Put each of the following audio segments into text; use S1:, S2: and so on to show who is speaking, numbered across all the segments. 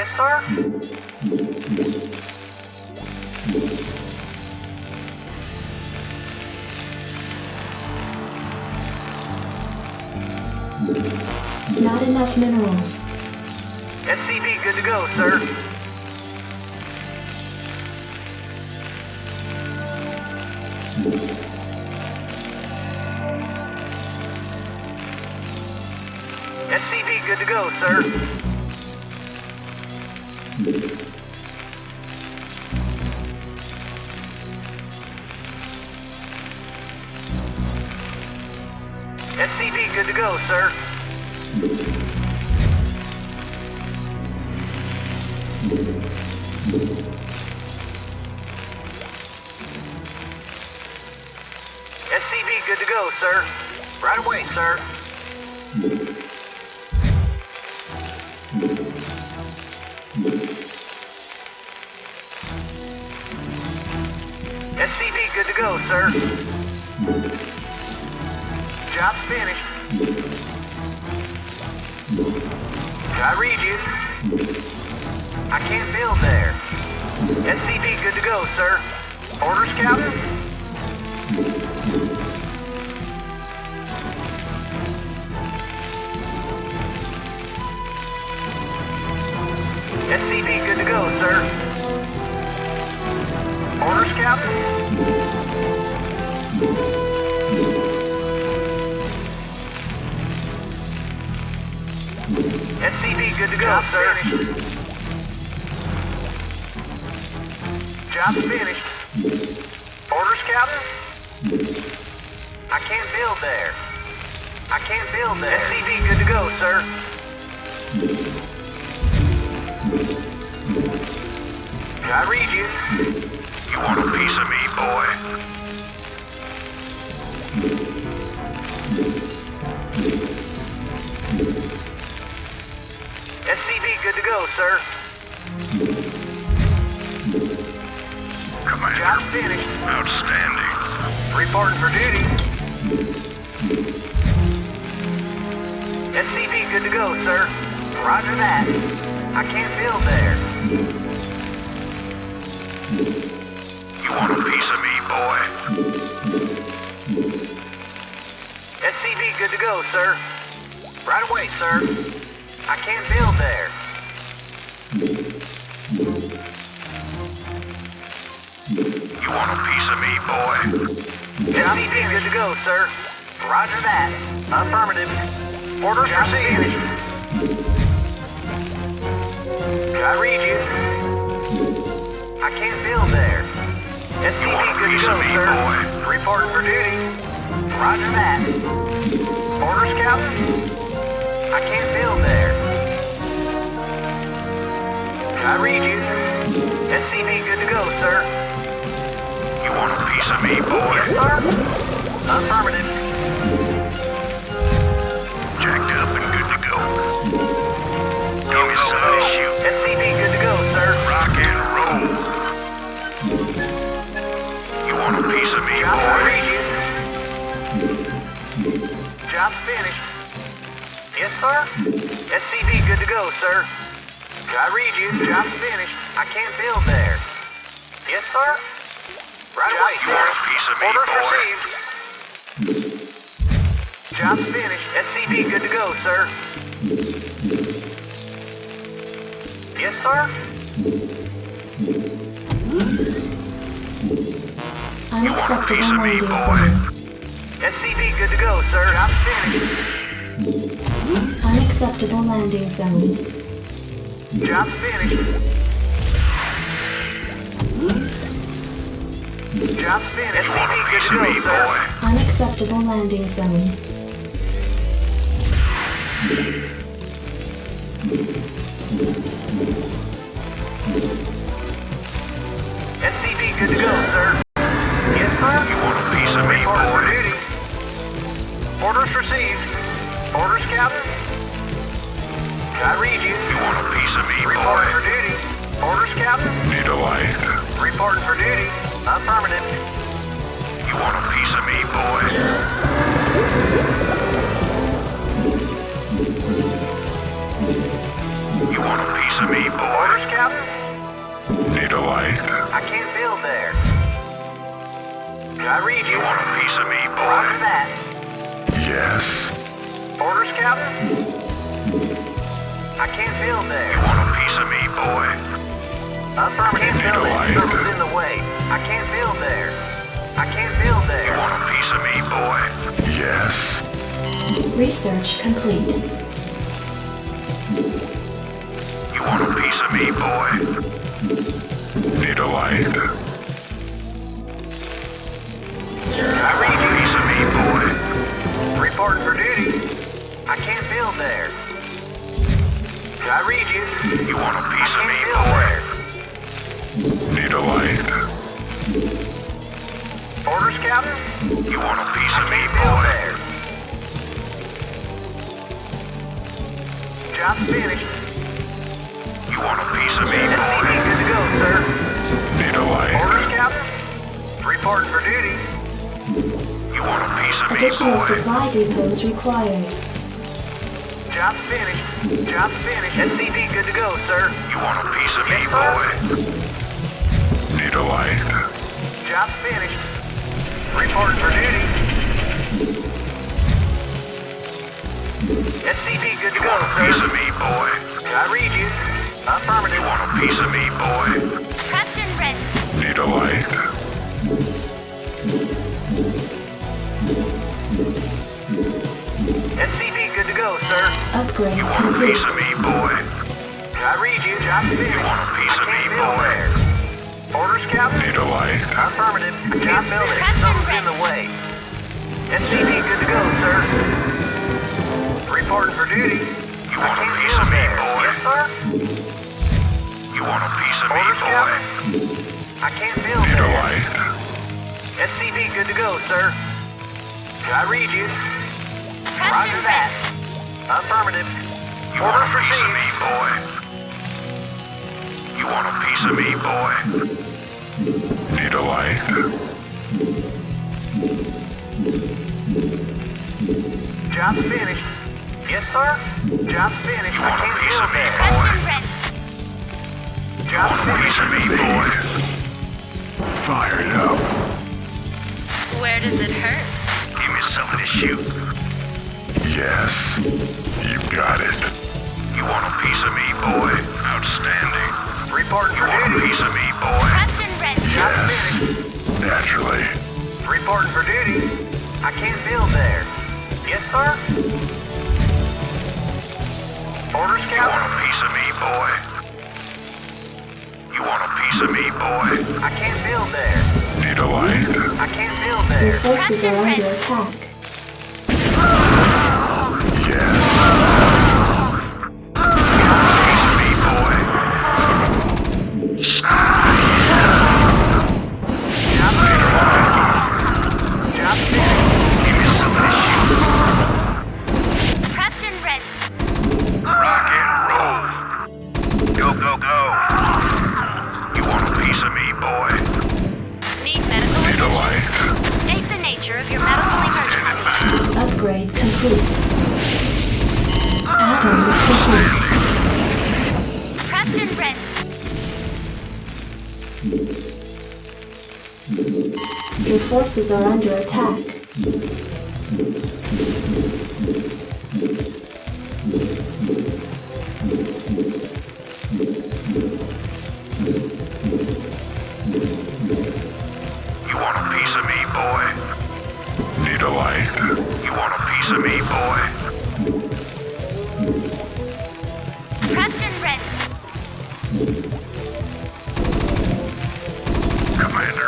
S1: Yes, sir.
S2: Not enough minerals.
S1: SCV good to go, sir. SCV good to go, sir. SCV good to go, sir. SCV good to go, sir. Right away, sir. SCV good to go, sir. Job's finished. I read you. I can't build there. SCV good to go, sir. Orders, Captain? SCV good to go, sir. Orders, Captain? SCV good to go, sir. Job's finished. Orders, Captain? I can't build there. I can't build there. SCV good to go, sir. I read you.
S3: You want a piece of me, boy?
S1: SCV good to go, sir.
S3: Commander.
S1: Job finished.
S3: Outstanding.
S1: Reporting for duty. SCV good to go, sir. Roger that. I can't build there.
S3: You want a piece of me, boy?
S1: SCV good to go, sir. Right away, sir. I can't build there.
S3: You want a piece of me, boy?
S1: SCV good to go, sir. Roger that. Affirmative. Orders received. I read you. I can't build there. SCV good to go, sir.
S3: Boy?
S1: Reporting for duty. Roger that. Orders, Captain? I can't build there. I read you. SCV good to go, sir.
S3: You want a piece of me, boy?
S1: Yes, sir. Affirmative.
S3: Jacked up and good to go. Give me something to shoot.
S1: SCV good to go, sir.
S3: Rock and roll. You want a piece of me,
S1: I
S3: boy?
S1: read you. Job's finished. Yes, sir. SCV good to go, sir. I read you. Job's finished. I can't build there. Yes, sir. Right away,
S3: You want a
S1: sir.
S3: piece of me,
S1: Orders
S3: boy?
S1: received. Job's finished. SCV good to go, sir. Yes, sir.
S2: Unacceptable
S3: piece of me,
S2: landing
S3: boy?
S2: zone.
S1: SCV good to go, sir. Job's finished.
S2: Unacceptable landing zone.
S1: Job's finished. Job's finished.
S3: You want a
S1: SCV good
S3: piece
S1: to
S3: of
S1: go,
S3: me,
S1: sir.
S3: boy?
S2: Unacceptable landing zone.
S1: SCV good to go, sir. Yes, sir.
S3: You want a piece of me,
S1: Reporting for
S3: boy?
S1: duty. Orders received. Orders, Captain? I read you.
S3: You want a piece of me,
S1: Reporting
S3: boy?
S1: for duty. Orders, Captain?
S3: Vitoid.
S1: Reporting for duty. Affirmative.
S3: You want a piece of me, boy? You want a piece piece of me, boy?
S1: Orders, Captain?
S3: Need a light?
S1: I can't build there. Can I read you?
S3: You want a piece of me,
S1: Roger
S3: boy?
S1: that.
S3: Yes.
S1: Orders, Captain? I can't build there.
S3: You want a piece of me, boy?
S1: Affirmative.
S3: Need a
S1: Building.
S3: light?
S1: Something's in the way. I can't build there. I can't build
S3: You
S1: there.
S3: want a piece of me, boy? Yes.
S2: Research complete.
S3: You want a piece of me, boy? Need a light?
S1: Can I read
S3: A
S1: you?
S3: piece of me, boy?
S1: Reporting for duty. I can't build there. Can I read you?
S3: You want a
S1: I
S3: piece of
S1: can't
S3: me,
S1: build
S3: boy?
S1: there.
S3: Need a light?
S1: Orders, Captain?
S3: You want a piece of me,
S1: Can't build
S3: boy?
S1: there. Job's finished.
S3: You want a piece of me,
S1: SCV
S3: boy?
S1: good to go, sir.
S3: Need a light?
S1: Orders, Captain? Reporting for duty.
S3: You want a piece of me,
S2: Additional
S3: boy?
S2: supply depots required.
S1: Job's finished. Job's finished. SCV good to go, sir.
S3: You want a piece of me,
S1: Yes, sir.
S3: boy? Need a light?
S1: Job's finished. Reporting for duty. SCV good to
S3: You
S1: go,
S3: want a piece
S1: sir.
S3: of me, boy?
S1: Can I read you? Affirmative.
S3: You want a piece of me, boy?
S4: Captain ready.
S3: Need a light?
S1: SCV good to go, sir.
S2: Upgrade
S3: You want a
S2: complete.
S3: piece of me, boy?
S1: Can I read you? Job's finished.
S3: want a piece
S1: I
S3: of me,
S1: can't build
S3: boy?
S1: there. Orders, Captain?
S3: Need a light?
S1: Affirmative. I can't build it.
S4: Captain
S1: Something's in
S4: ready.
S1: the way. SCV good to go, sir. Reporting for duty.
S3: You
S1: I
S3: want a
S1: can't
S3: piece
S1: build
S3: of me,
S1: there.
S3: boy?
S1: Yes, sir.
S3: You want a piece of me,
S1: Orders,
S3: boy?
S1: Captain? I can't build
S3: Need a
S1: there.
S3: light?
S1: SCV good to go, sir. Can I read you? Roger
S4: Captain
S1: that.
S4: ready.
S1: Affirmative.
S3: You want
S1: Orders
S3: a piece of
S1: received.
S3: me, boy? You want a piece of me, boy? Need a light?
S1: Job's finished. Yes, sir. Job's finished.
S3: You
S1: I
S3: want a
S1: can't
S3: piece
S1: build
S3: of me,
S1: there.
S3: boy?
S4: Captain ready.
S1: Job's
S3: Want a piece
S1: finished.
S3: of me, boy? Fired up.
S4: Where does it hurt?
S3: Give me something to shoot. Yes. You got it. You want a piece of me, boy? Outstanding.
S1: Reporting
S3: You
S1: for
S3: want a
S1: duty.
S3: piece of me, boy?
S4: Captain ready.
S1: Job's
S3: Yes.
S1: finished.
S3: Naturally.
S1: Reporting for duty. I can't build there. Yes, sir. Orders,
S3: You want
S1: Captain?
S3: a piece of me, boy? You want a piece of me, boy?
S1: I can't build there.
S3: Need a light?
S1: I can't build
S2: Your
S1: there.
S2: forces are
S4: Captain
S2: under
S4: ready.
S2: attack.
S3: Yes. Piece of me, boy?
S1: Job's finished.
S3: Give me something to shoot.
S4: Captain ready.
S3: Rock and roll. Go, go, go. You want a piece of me, boy?
S4: Need medical
S3: Need a
S4: attention.
S3: light?
S4: State the nature of your medical emergency.
S2: Upgrade complete. Add-on complete.
S4: Captain ready.
S2: Your forces are under attack.
S3: You want a piece of me, boy? Need a light? You want a piece of me, boy?
S4: Captain ready.
S3: Commander.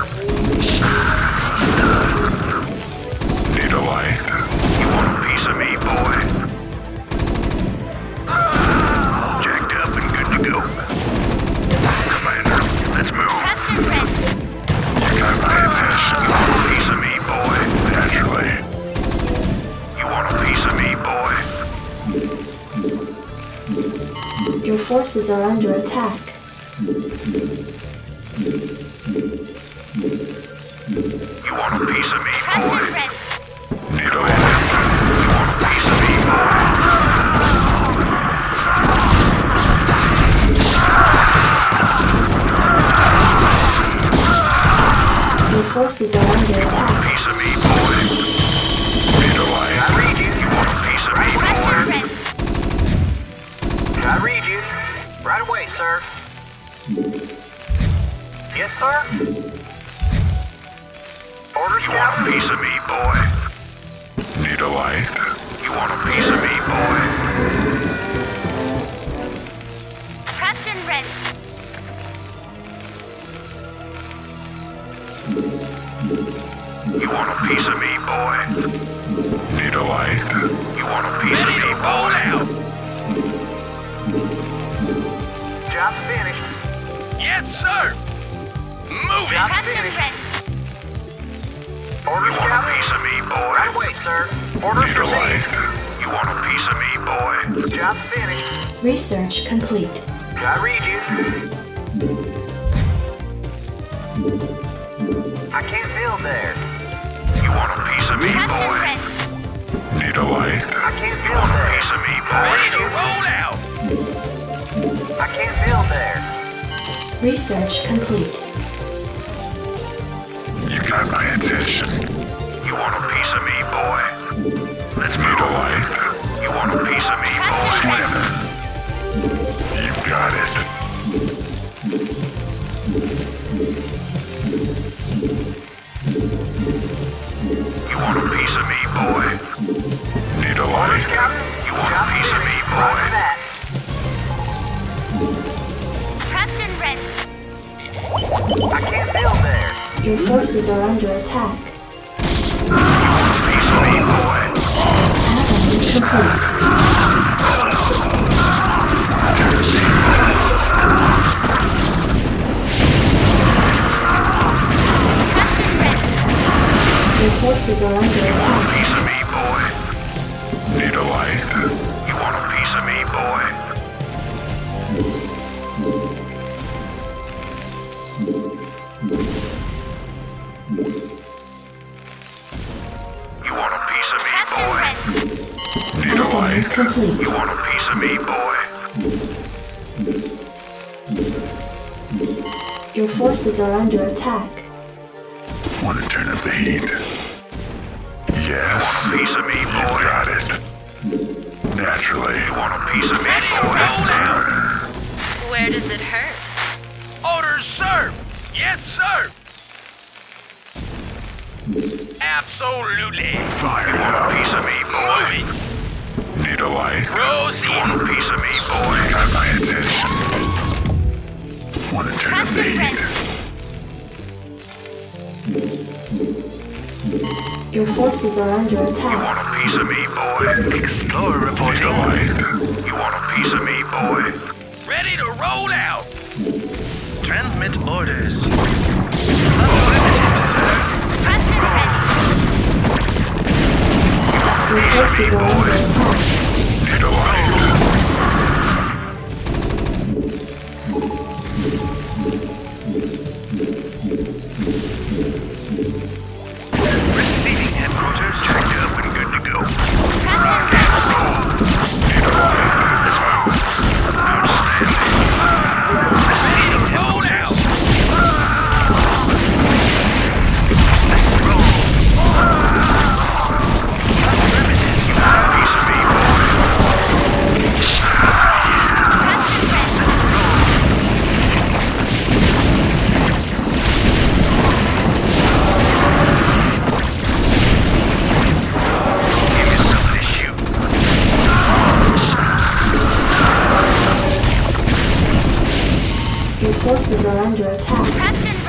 S3: Need a light? You want a piece of me, boy? Jacked up and good to go. Commander, let's move.
S4: Captain ready.
S3: You got my attention. You want a piece of me, boy? Naturally. You want a piece of me, boy?
S2: Your forces are under attack.
S3: You want a piece of me,
S4: Captain
S3: boy?
S4: ready.
S3: Need a light? You want a piece of me, boy?
S2: forces are under attack.
S3: Piece of me, boy. Need a light?
S1: I read you.
S3: You want a piece of me,
S4: Preston
S3: boy?
S4: ready.
S1: I read you. Right away, sir. Yes, sir? Orders,
S3: You want a
S1: Captain?
S3: piece of me, boy? Need a light? You want a piece of me, boy?
S4: Prepped and ready.
S3: You want a piece of me, boy? Need a light? You want a piece of me, boy?
S1: Job's finished.
S3: Yes, sir. Move
S1: Job's
S4: Prepped and
S1: finished.
S4: ready.
S1: Orders,
S3: You want a
S1: Captain?
S3: piece of me, boy?
S1: Right away, sir. Orders
S3: Need a light?
S1: received.
S3: You want a piece of me, boy?
S1: Job's finished.
S2: Research complete.
S1: I read you. I can't build there.
S3: You want a piece of me,
S4: Prepped and
S3: boy?
S4: ready.
S3: Need a light?
S1: I can't
S3: You
S1: build
S3: want a
S1: there.
S3: piece of me,
S1: I
S3: boy?
S1: read you.
S3: out!
S1: I can't build there.
S2: Research complete.
S3: You got my attention. You want a piece of me, boy? Let's need a light. You want a piece of me, boy? Slim. You got it. You want a piece of me, boy? Need a light?
S1: Captain?
S3: You want a
S1: Job's
S3: piece of me,
S1: finished.
S3: boy?
S1: Roger that.
S4: Prepped and ready.
S1: I can't build there.
S2: Your forces are under attack.
S3: Piece of me, boy?
S2: Complete.
S4: Prepped and ready.
S2: Your forces are under attack.
S3: Piece of me, boy? Need a light? You want a piece of me, boy? You want a piece of me,
S4: Prepped
S3: boy?
S4: and ready.
S3: Need a
S2: Add-on
S3: light?
S2: complete.
S3: You want a piece of me, boy?
S2: Your forces are under attack.
S3: Want to turn up the heat? Yes. You want a piece of me, boy? You got it. Naturally. You want a piece of me, boy? Let's burn.
S4: Where does it hurt?
S5: Orders, sir! Yes, sir! Absolutely!
S3: Fire. You want a piece of me, boy?
S5: Moving!
S3: Need a light?
S5: Proceed.
S3: You want a piece of me, boy? You got my attention. Want to turn up the
S4: Prepped and
S3: heat?
S4: ready.
S2: Your forces are under
S3: You
S2: attack.
S3: want a piece of me, boy?
S5: Explorer
S3: Need
S5: reporting.
S3: a light? You want a piece of me, boy?
S5: Ready to roll out! Transmit orders.
S4: Prepped and ready.
S2: Your forces are under attack.
S3: Need a light?
S5: Receiving headquarters.
S3: Checked up and good to go.
S4: Prepped and ready.
S3: Need a light?
S5: Receiving roll out!
S3: Piece of me, boy?
S4: Prepped and ready.
S3: Give me something to shoot.
S2: Your forces are under attack.
S4: Prepped and